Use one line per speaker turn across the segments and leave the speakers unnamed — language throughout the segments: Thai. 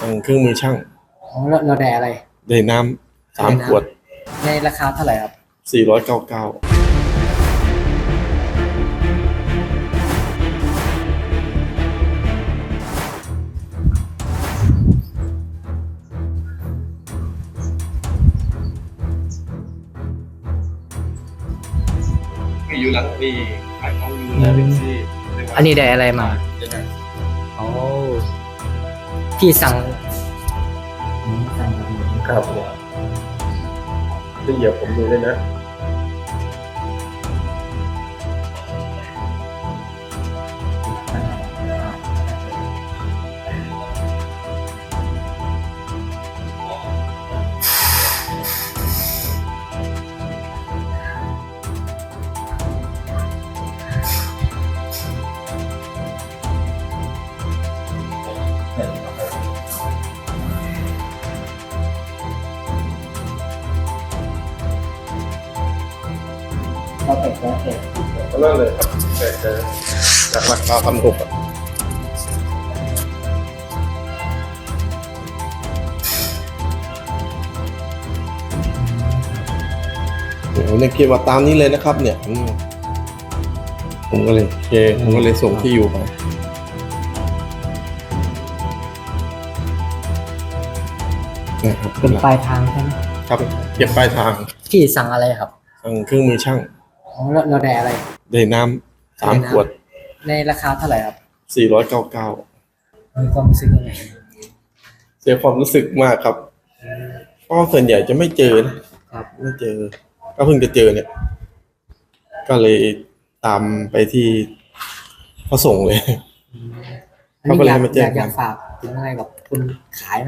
เครื่องมือช่าง
อ๋อเราได้อะไร
ได้น้ำ3 ขวด
ในราคาเท่าไหร่ครับ
499อยู่หลังปีขายของอยู่นะเป็นซี่
อันนี้ได้อะไรมาโอ้พี่สั่ง
ครับจะเหยียบผมดูเลยนะ
เราเป็ดแล้วเป็ด
ก็นั่นเลยครับแต่จากราคา1,600อ่ะเดี๋ยวเนี่ยเขียนว่าตามนี้เลยนะครับเนี่ยผมก็เลยผมก็เลยส่งที่อยู่ไปนะครับ
เป็นปลายทางใช่ไหม
ครับเก็บปลายทาง
พี่สั่งอะไรครับ
เครื่องมือช่าง
อ๋อเราได้อะไร
ได้น้ำ3 ขวด
ในราคาเท่าไหร่ครับ
499
มีความรู้สึกยังไง
เสียความรู้สึกมากครับเพราะส่วนใหญ่จะไม่เจอนะครับไม่เจอก็เพิ่งจะเจอเนี่ยก็เลยตามไปที่เขาส่งเลยเขาก็เลยมาแจ้ง
อยากฝากถึงอะไรกับคุณขายไหม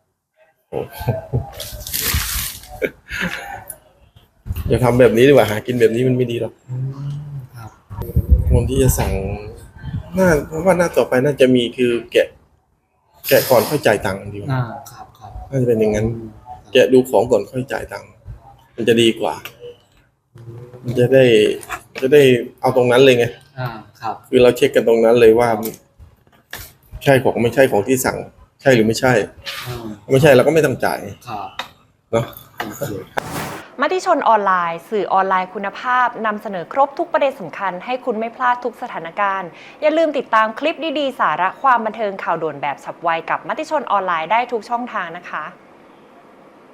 อย่าทำแบบนี้ดีกว่าหากินแบบนี้มันไม่ดีหรอกคนที่จะสั่งเพราะว่าหน้าต่อไปน่าจะมีคือแกะก่อนค่อยจ่ายตังค์ดีกว่า
ครับ
น่าจะเป็นอย่างนั้นแกะดูของก่อนค่อยจ่ายตังค์มันจะดีกว่ามันจะได้เอาตรงนั้นเลยไง
ครับ
คือเราเช็คกันตรงนั้นเลยว่าใช่ของไม่ใช่ของที่สั่งใช่หรือไม่ใช่ไม่ใช่เราก็ไม่ต้องจ่ายเนาะ
มติชนออนไลน์สื่อออนไลน์คุณภาพนำเสนอครบทุกประเด็นสำคัญให้คุณไม่พลาดทุกสถานการณ์อย่าลืมติดตามคลิปดีๆสาระความบันเทิงข่าวด่วนแบบฉับไวกับมติชนออนไลน์ได้ทุกช่องทางนะคะ